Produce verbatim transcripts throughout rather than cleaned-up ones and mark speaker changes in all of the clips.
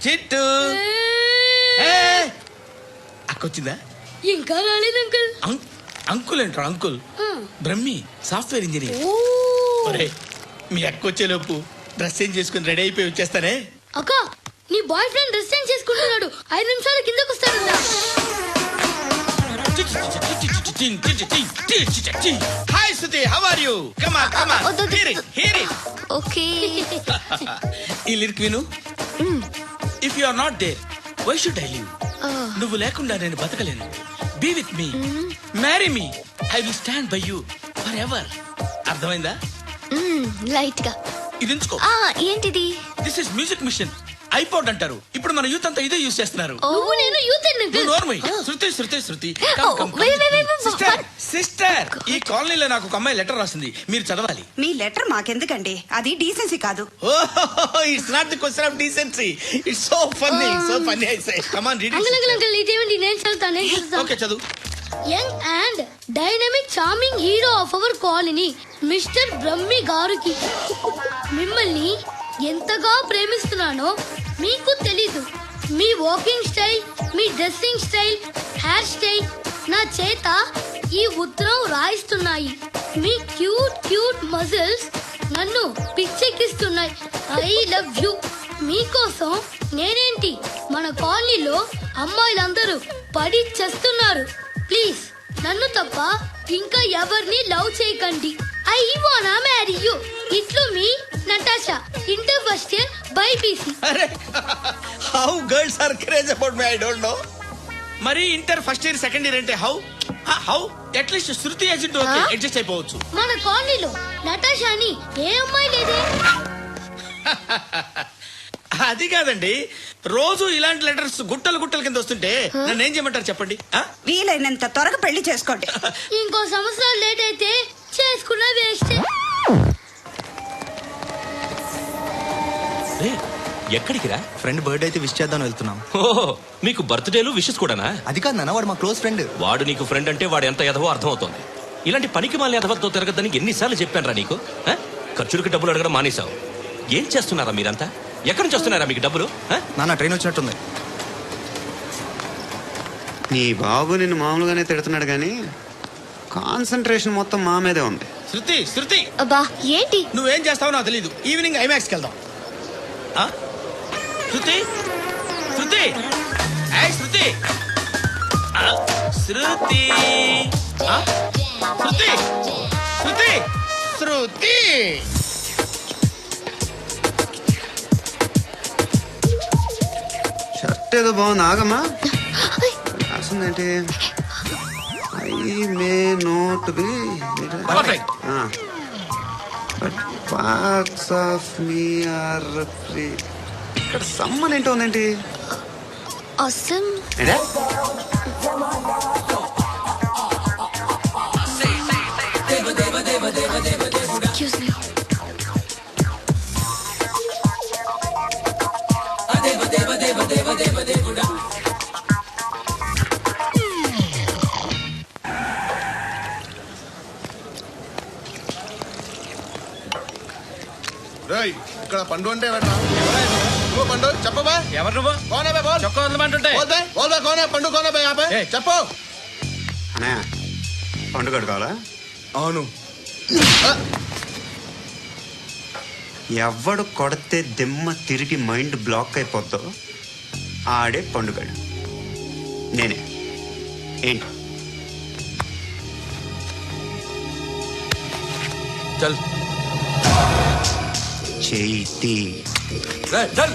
Speaker 1: చిట్టు అక్కొచ్చిందా?
Speaker 2: ఇంకా రాలేదు అంకుల్.
Speaker 1: అంకుల్ ఏంట్రా అంకుల్? Brahmi software engineer. ఒరే మీ అక్క వచ్చేలోపు డ్రెస్ చేంజ్ చేసుకుని రెడీ అయిపోయి వచ్చేస్తానే.
Speaker 2: అక్క నీ బాయ్ ఫ్రెండ్ డ్రెస్ చేంజ్ చేసుకుంటున్నాడు, ఐదు నిమిషాల కిందకు వస్తాడంట.
Speaker 1: Hi Shruti, how are you? Come on come on, hear it hear it.
Speaker 2: Okay
Speaker 1: ఈ లిరిక్ విను. If you are not there why should I live? నువ్వు లేకుండా నేను బతకలేను. Be with me, marry me, I will stand by you for ever. అర్థమైందా?
Speaker 2: Light గా
Speaker 1: ఇది ఉంచుకో.
Speaker 2: ఏంటిది?
Speaker 1: This is music machine, iPod అంటారు. ఇప్పుడు మన యూత్ అంతా ఇదే యూజ్ చేస్తున్నారు.
Speaker 2: నువ్వు నేను youth
Speaker 1: Shruti Shruti Shruti sister sister ఈ కాలనీలో నాకు ఒక అమ్మాయి లెటర్ రాసింది, మీరు చదవాలి.
Speaker 3: మీ లెటర్ మాకెందుకండి, అది డీసెన్సీ కాదు.
Speaker 1: It's not the question of decency, it's so funny so funny. I say come on read it.
Speaker 2: Uncle uncle uncle ఇదేంటి? నేను చదువుతాను నేను చదువుతాను.
Speaker 1: ఓకే చదువు.
Speaker 2: Young and dynamic charming hero of our colony mister Brahmi గారికి మిమ్మల్ని ఎంతగా ప్రేమిస్తున్నానో మీకు తెలీదు. మీ వాకింగ్ స్టైల్, మీ డ్రెస్సింగ్ స్టైల్, హెయిర్ స్టైల్ నా చేత ఈ ఉత్తరం రాయిస్తున్నాయి. మీ క్యూట్ క్యూట్ మజిల్స్ నన్ను పిచ్చెక్కిస్తున్నాయి. I love you. మీకోసం నేనేంటి మన కాలనీలో అమ్మాయిలందరూ పడి చేస్తున్నారు. ప్లీజ్ నన్ను తప్ప ఇంకా ఎవరిని లవ్ చేయకండి. ఐ వానా మ్యారీ యూ. ఇట్లు మీ Natasha, inter first year BiPC.
Speaker 1: అరే how girls are craze about me, I don't know. మరి inter first year second year అంటే how how at least Shruti agent okay adjust అయిపోవచ్చు.
Speaker 2: మన కాలనీలో నటాషాని ఏ అమ్మాయి లేదే.
Speaker 1: అది కాదండి, రోజు ఇలాంటి లెటర్స్ గుట్టలు గుట్టల కింద వస్తుంటే నన్ను ఏం చేయమంటారు చెప్పండి?
Speaker 3: వీలైనంత త్వరగా పెళ్లి చేసుకోండి.
Speaker 2: ఇంకో సంవత్సరాలు లేట్ అయితే చేసుకున్న వేస్ట్.
Speaker 4: ఎక్కడికి రా?
Speaker 5: ఫ్రెండ్ బర్త్డే అయితే విష్ చేద్దాం వెళ్తున్నాం.
Speaker 4: ఓహో మీకు బర్త్డేలు విషెస్ కూడానా?
Speaker 5: అది కాదు నాన్న, వాడు మా క్లోజ్ ఫ్రెండ్.
Speaker 4: వాడు నీకు ఫ్రెండ్ అంటే వాడు ఎంత ఎదవో అర్థమవుతోంది. ఇలాంటి పనికి మాలిన ఎదవతో తిరగద్దని ఎన్నిసార్లు చెప్పాను రా నీకు? ఖర్చులకి డబ్బులు అడగడం మానేశావు. ఏం చేస్తున్నారా మీరంతా? ఎక్కడి నుంచి వస్తున్నారా మీకు డబ్బులు?
Speaker 5: నాన్న ట్రైన్ వచ్చినట్టుంది.
Speaker 6: నీ బాబు నిన్ను మామూలుగానే తిడుతున్నాడు కానీ కాన్సన్ట్రేషన్ మొత్తం మా మీదే ఉంది.
Speaker 1: శృతి శృతి
Speaker 2: అబ్బా ఏంటి?
Speaker 1: నువ్వేం చేస్తావో నాకు తెలీదు. ఈవినింగ్ ఐమాక్స్కి వెళ్దాం. శృతి శృతి శృతి శృతి శృతి శృతి శృతి
Speaker 6: షర్ట్ ఏదో బాగుంది, ఆగమ్మా. రాసిందేంటి? I may not be but parts of me are free. ఇక్కడ సమ్మన్ ఏంటో ఉందేంటి?
Speaker 2: అసలు ఎక్స్క్యూజ్ మీ.
Speaker 7: ఇక్కడ పండు అంటే ఎవరా? పండు చెప్పబా.
Speaker 1: ఎవరు నువ్వు?
Speaker 7: కోనే బే బోల్.
Speaker 1: చొక్కా వదలమంటుంటే
Speaker 7: బోల్ బే బోల్ బే కోనే పండు కోనే బే ఆపే చెప్పు.
Speaker 6: అనే పండుగ కావాలా?
Speaker 7: అవును.
Speaker 6: ఎవడు కొడితే దిమ్మ తిరిగి మైండ్ బ్లాక్ అయిపోద్దో ఆడే పండుగడు. నేనే. ఏంటి?
Speaker 4: చల్
Speaker 6: చేతి
Speaker 4: చల్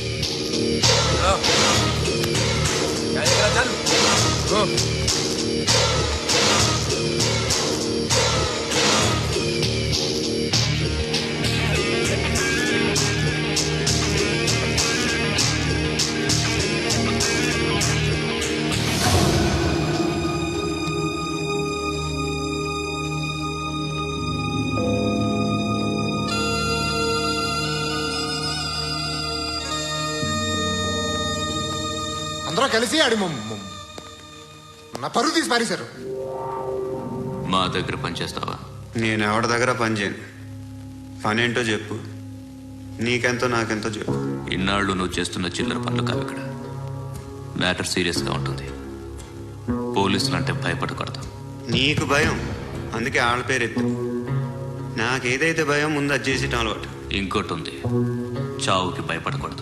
Speaker 7: అందరూ కలిసి ఆడి నా పరువు తీసి పారేశారు.
Speaker 8: మా దగ్గర పనిచేస్తావా?
Speaker 6: నేను ఎవరి దగ్గర పని చేయను. పని ఏంటో చెప్పు, నీకెంతో నాకెంతో చెప్పు.
Speaker 8: ఇన్నాళ్ళు నువ్వు చేస్తున్న చిల్లర పనులు కావు ఇక్కడ. మ్యాటర్ సీరియస్గా ఉంటుంది. పోలీసులు అంటే భయపడకూడదు.
Speaker 6: నీకు భయం, అందుకే ఆళ్ళ పేరు ఎత్తు. నాకేదైతే భయం ముందు అది చేసేటం అలవాటు.
Speaker 8: ఇంకోటి ఉంది, చావుకి భయపడకూడదు.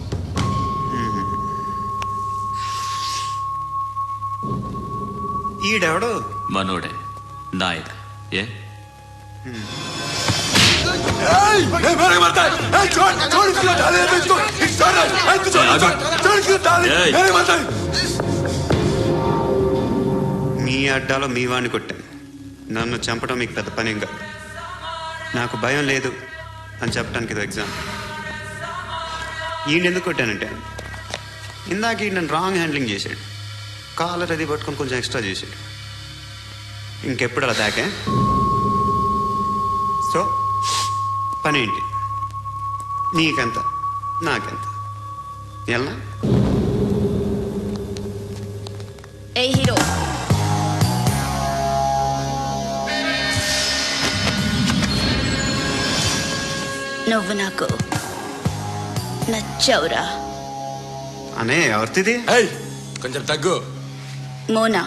Speaker 6: ఈడెవడో
Speaker 8: మనోడే నాయక్. ఏ
Speaker 6: మీ అడ్డాలో మీ వాడిని కొట్టాను. నన్ను చంపడం మీకు పెద్ద పని ఇంకా. నాకు భయం లేదు అని చెప్పడానికి ఇది ఎగ్జామ్. ఈయన ఎందుకు కొట్టానంటే ఇందాక ఈ నన్ను రాంగ్ హ్యాండ్లింగ్ చేశాడు. కాలర్ అది పట్టుకొని కొంచెం ఎక్స్ట్రా చేశాడు. ఇంకెప్పుడు అలా దాకే. సో పని ఏంటి? నీకెంత నాకెంత ఎలా?
Speaker 9: ఏ హీరో, నువ్వు నాకు నచ్చవురా.
Speaker 6: అనే ఎవరిది?
Speaker 7: కొంచెం తగ్గు.
Speaker 9: మోనా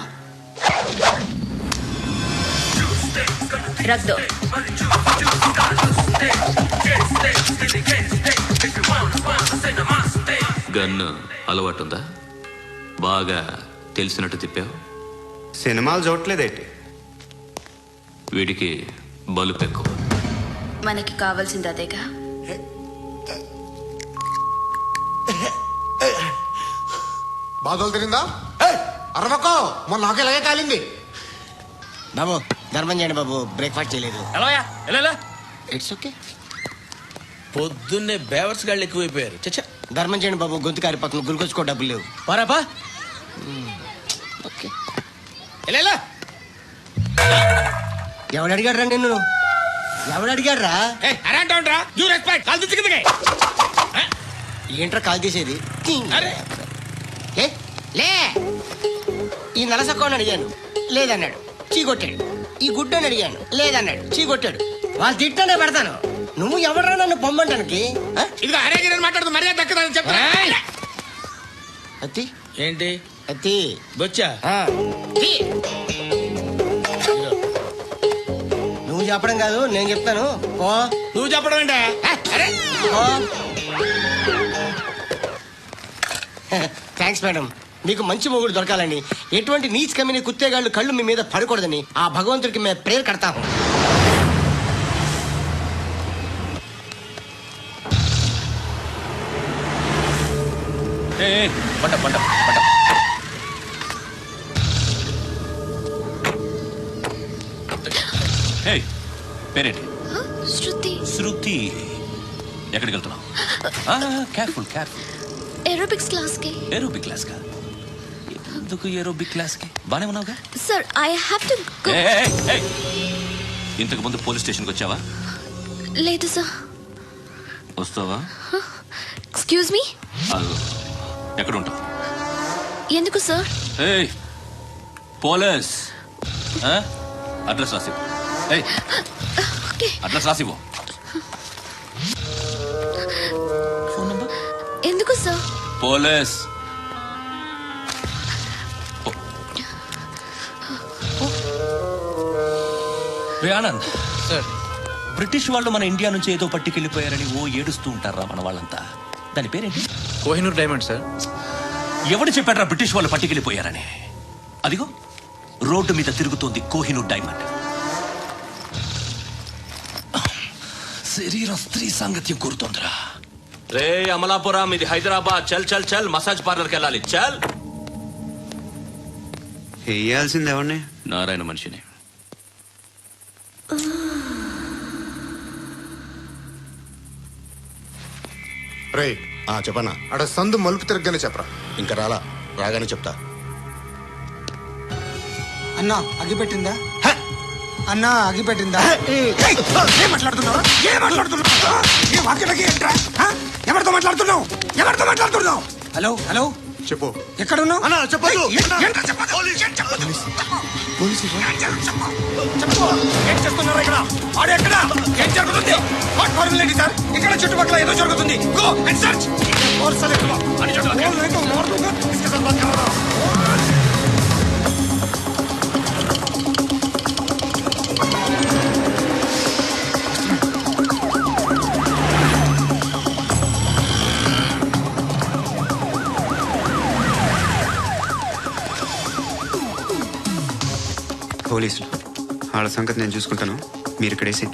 Speaker 9: రక్ దో.
Speaker 8: గన్ను అలవాటు ఉందా? బాగా తెలిసినట్టు తిప్పావు.
Speaker 6: సినిమాలు చూడట్లేదేంటి?
Speaker 8: వీడికి బలుపు ఎక్కువ.
Speaker 9: మనకి కావాల్సింది అదేగా.
Speaker 7: బాధలు తిరిందా? అరవకో, మొన్న నాకు ఇలాగే కాలింది.
Speaker 10: బాబు ధర్మం చేయండి బాబు, బ్రేక్ఫాస్ట్ చేయలేదు.
Speaker 1: ఎలాయా ఎలా?
Speaker 10: It's okay.
Speaker 1: పొద్దున్నే బేవర్స్ గాళ్ళు ఎక్కువైపోయారు. చచ్చా,
Speaker 10: ధర్మం చేయండి బాబు, గొంతు కారిపోతుంది, గురికొచ్చుకో డబ్బులు లేవు.
Speaker 1: పారాపా.
Speaker 10: ఓకే.
Speaker 1: ఎలా?
Speaker 10: ఎవడు అడిగాడు రా నిన్ను? ఎవడు అడిగాడు రా? ఏంట్రా కాల్ తీసేది? ఏ? లే. ఈ నలసక్కని అడిగాను, లేదన్నాడు, చీ కొట్టాడు. ఈ గుడ్డని అడిగాను, లేదన్నాడు, చీ కొట్టాడు. వాళ్ళు తిట్టానే పెడతాను. నువ్వు ఎవడరా నన్ను పొమ్మంటానికి?
Speaker 1: మాట్లాడుతూ మర్యాద దక్కదని చెప్పా.
Speaker 10: అత్తి
Speaker 1: ఏంటి
Speaker 10: అత్తి
Speaker 1: బొచ్చా?
Speaker 10: ఆ. నువ్వు చెప్పడం కాదు, నేను చెప్తాను. పో.
Speaker 1: నువ్వు చెప్పడం ఏంటే?
Speaker 10: పో. Thanks madam. మీకు మంచి మొగుడు దొరకాలని, ఎటువంటి నీచ్ కమ్మిన కుత్తేగాళ్ళు కళ్ళు మీ మీద పడకూడదని ఆ భగవంతుడికి మేము ప్రేయర్ కడతాము.
Speaker 4: పంట పంట పంట. ఏయ్, పేరేంటి?
Speaker 9: శృతి.
Speaker 4: శృతి. ఎక్కడికి వెళ్తున్నావు? Careful careful.
Speaker 9: ఏరోబిక్స్ క్లాస్ కి.
Speaker 4: ఏరోబిక్ క్లాస్ కా? ఎందుకు ఏరోబిక్ క్లాస్ కి? బానే ఉన్నావుగా?
Speaker 9: Sir, I have to go.
Speaker 4: ఏయ్, ఏయ్, ఇంతకు ముందు పోలీస్ స్టేషన్కి వచ్చావా?
Speaker 9: లేదు సార్.
Speaker 4: వస్తావా?
Speaker 9: Excuse me.
Speaker 4: ఎక్కడ ఉంటావు?
Speaker 9: ఎందుకు సార్?
Speaker 4: ఏయ్, పోలీస్. అడ్రస్ రాసివ్వు. ఏయ్, అడ్రస్ రాసివ్వు. Phone number.
Speaker 9: ఎందుకు సార్?
Speaker 4: పోలీస్. రే ఆనంద్ సార్, బ్రిటిష్ వాళ్ళు మన ఇండియా నుంచి ఏదో పట్టుకెళ్ళిపోయారని ఓ ఏడుస్తూ ఉంటారా మన వాళ్ళంతా. దాని పేరేంటి?
Speaker 5: Kohinoor diamond sir.
Speaker 4: ఎవడు చెప్పాడ్రా బ్రిటిష్ వాళ్ళు పట్టుకెళ్ళిపోయారని? అదిగో రోడ్డు మీద తిరుగుతోంది కోహినూర్ డైమండ్. శరీరం స్త్రీ సాంగత్యం కోరుతోందిరా. రే అమలాపురం, ఇది హైదరాబాద్. చల్ చల్ చల్, మసాజ్ పార్లర్కి వెళ్ళాలి. చల్.
Speaker 6: వేయాల్సింది ఎవరిని?
Speaker 8: నారాయణ మనిషిని.
Speaker 7: రే చెప్పనా? అక్కడ సందు మలుపు తిరగగానే చెప్పరా.
Speaker 5: ఇంకా రాలా, రాగానే చెప్తా.
Speaker 10: అన్నా అగిపెట్టిందా? అన్నా అగిపెట్టిందా? ఏం మాట్లాడుతున్నావు? ఏం మాట్లాడుతున్నావు? ఎవరితో మాట్లాడుతున్నావు? ఎవరితో మాట్లాడుతున్నావు? హలో హలో,
Speaker 7: చెప్పు.
Speaker 10: ఎక్కడున్నావు
Speaker 7: అన్నా చెప్పదు.
Speaker 10: ఏం చేస్తున్నారు ఇక్కడ ఆడు ఎక్కడ ఏం జరుగుతుంది వాట్ ఫార్మల్ ఏంటి సార్ ఇక్కడ చుట్టుపక్కల ఏదో జరుగుతుంది గో అండ్ సర్చ్ और साले అని చోట नहीं तो मार दूंगा इसके साथ बात कर रहा
Speaker 6: పోలీసులు వాళ్ళ సంగతి నేను చూసుకుంటాను, మీరు ఇక్కడ వేసేయండి.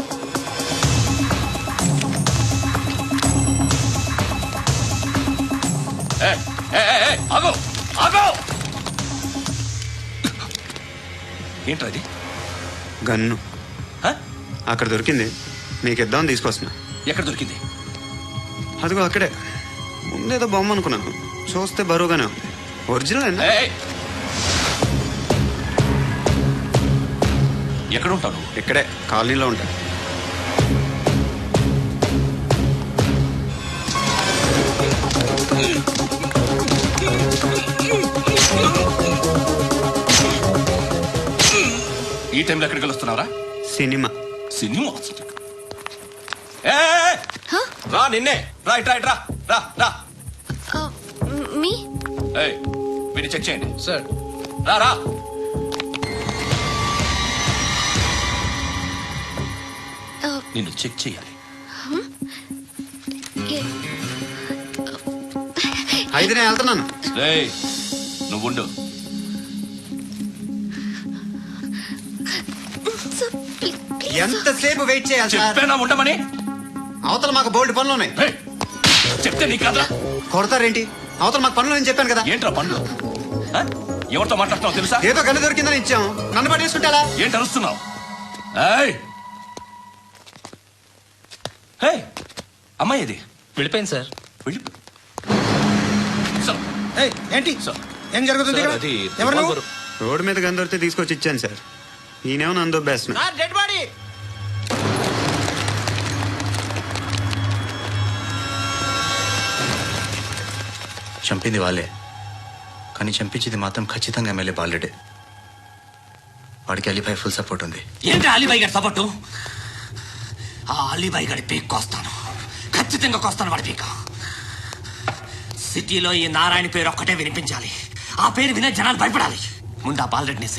Speaker 4: ఆగో ఆగో ఏంట్రా ఇది?
Speaker 6: గన్ను
Speaker 4: హ?
Speaker 6: అక్కడ దొరికింది, మీకు ఇద్దామని తీసుకొస్తున్నా.
Speaker 4: ఎక్కడ దొరికింది?
Speaker 6: అదిగో అక్కడే ముందేదో బొమ్మ అనుకున్నాను, చూస్తే బరువుగానే ఉంది. ఒరిజినల్ అండి.
Speaker 4: ఏయ్! ఎక్కడ ఉంటావు?
Speaker 6: ఇక్కడే కాలనీలో ఉంటా.
Speaker 4: ఈ టైంలో ఎక్కడికి వస్తున్నారా?
Speaker 6: సినిమా.
Speaker 4: సినిమా ఏయ్! రా నిన్నే రా ఇట్రా ఇట్రా రా రా
Speaker 9: మీ
Speaker 4: ఏయ్ వీడిని చెక్ చేయండి.
Speaker 5: సార్
Speaker 4: రా రా నిన్ను చెక్ చేయాలి.
Speaker 6: అయితే నేను వెళ్తున్నాను.
Speaker 4: ఏయ్ నువ్వు ఉండు.
Speaker 6: ఎంతసేపు వెయిట్ చేయాలి సార్?
Speaker 4: చెప్పేనా ఉండమని?
Speaker 6: అవతల మాకు బోల్డ్ పనులు ఉన్నాయి.
Speaker 4: ఏయ్! చెప్తే నీకు కదా
Speaker 6: కొడతారేంటి? అవతల మాకు పనులు నేను చెప్పాను కదా.
Speaker 4: ఏంట్రా పండ్లు? ఆ? ఎవరితో మాట్లాడుతున్నావు తెలుసా?
Speaker 6: ఏదో గన్ను దొరికిందని ఇచ్చాం, నన్ను పట్టేసుకుంటారా?
Speaker 4: ఏంటి అరుస్తున్నావు? ఏయ్! ఏయ్! అమ్మాయి ఇది
Speaker 1: వెళ్ళిపోయింది సార్.
Speaker 4: వెళ్ళి సార్,
Speaker 10: ఏయ్ ఏంటి
Speaker 4: సార్.
Speaker 10: ఏం జరుగుతుంది
Speaker 4: సార్,
Speaker 10: ఇక్కడ
Speaker 4: అది
Speaker 10: ఎవరు నువ్వు
Speaker 4: రివాల్వర్.
Speaker 6: రోడ్డు మీద గన్ను దొరికితే తీసుకొచ్చి ఇచ్చాను సార్. ఈయనేమో నన్ను దొబ్బేస్తున్నా.
Speaker 10: డెడ్ బాడీ
Speaker 5: చంపింది వాళ్ళే, కానీ చంపించింది మాత్రం ఖచ్చితంగా ఎమ్మెల్యే బాలుడే. వాడికి అలీభాయ్ ఫుల్ సపోర్ట్ ఉంది.
Speaker 1: ఏంటి అలీబాయి గారి సపోర్టు? ఆ అలీబాయి గారి పీక్ కోస్తాను, ఖచ్చితంగా కోస్తాను వాడి పీక. సిటీలో ఈ నారాయణ పేరు ఒక్కటే వినిపించాలి, ఆ పేరు వినే జనాలు భయపడాలి. ముందు ఆ బాలరెడ్డిని